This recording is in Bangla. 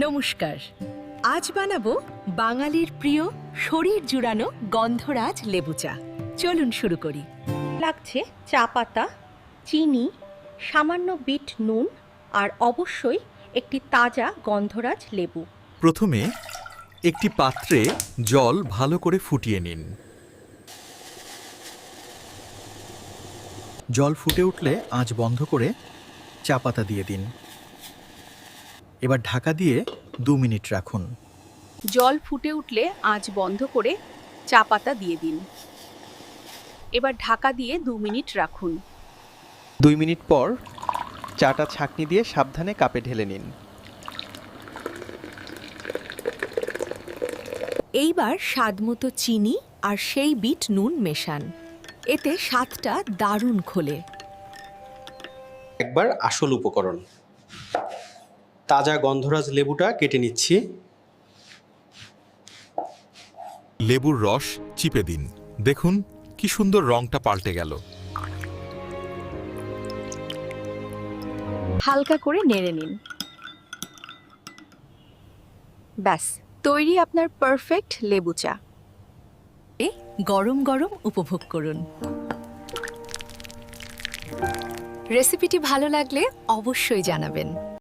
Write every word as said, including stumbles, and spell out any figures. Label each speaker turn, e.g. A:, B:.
A: নমস্কার। আজ বানাবো বাঙালির প্রিয় শরীর জুড়ানো গন্ধরাজ লেবু চা। চলুন শুরু করি।
B: লাগছে চা পাতা, চিনি, সামান্য বিট নুন আর অবশ্যই একটি তাজা গন্ধরাজ লেবু।
C: প্রথমে একটি পাত্রে জল ভালো করে ফুটিয়ে নিন। জল ফুটে উঠলে আঁচ বন্ধ করে চা পাতা দিয়ে দিন। এবার ঢাকা দিয়ে দু মিনিট রাখুন।
D: জল ফুটে উঠলে আঁচ বন্ধ করে চা পাতা দিয়ে দিন। এবার ঢাকা দিয়ে দু মিনিট রাখুন।
E: দুই মিনিট পর চাটা ছাঁকনি দিয়ে সাবধানে কাপে ঢেলে নিন।
A: এইবার স্বাদমতো চিনি আর সেই বিট নুন মেশান। এতে স্বাদটা দারুণ খোলে।
F: একবার আসল উপকরণ, তাজা গন্ধরাজ লেবুটা কেটে নিচ্ছি।
C: লেবুর রস চিপে দিন। দেখুন কি সুন্দর রংটা পাল্টে গেল।
D: হালকা করে নেড়ে নিন। ব্যাস, তৈরি আপনার পারফেক্ট লেবু চা।
A: এ গরম গরম উপভোগ করুন। রেসিপিটি ভালো লাগলে অবশ্যই জানাবেন।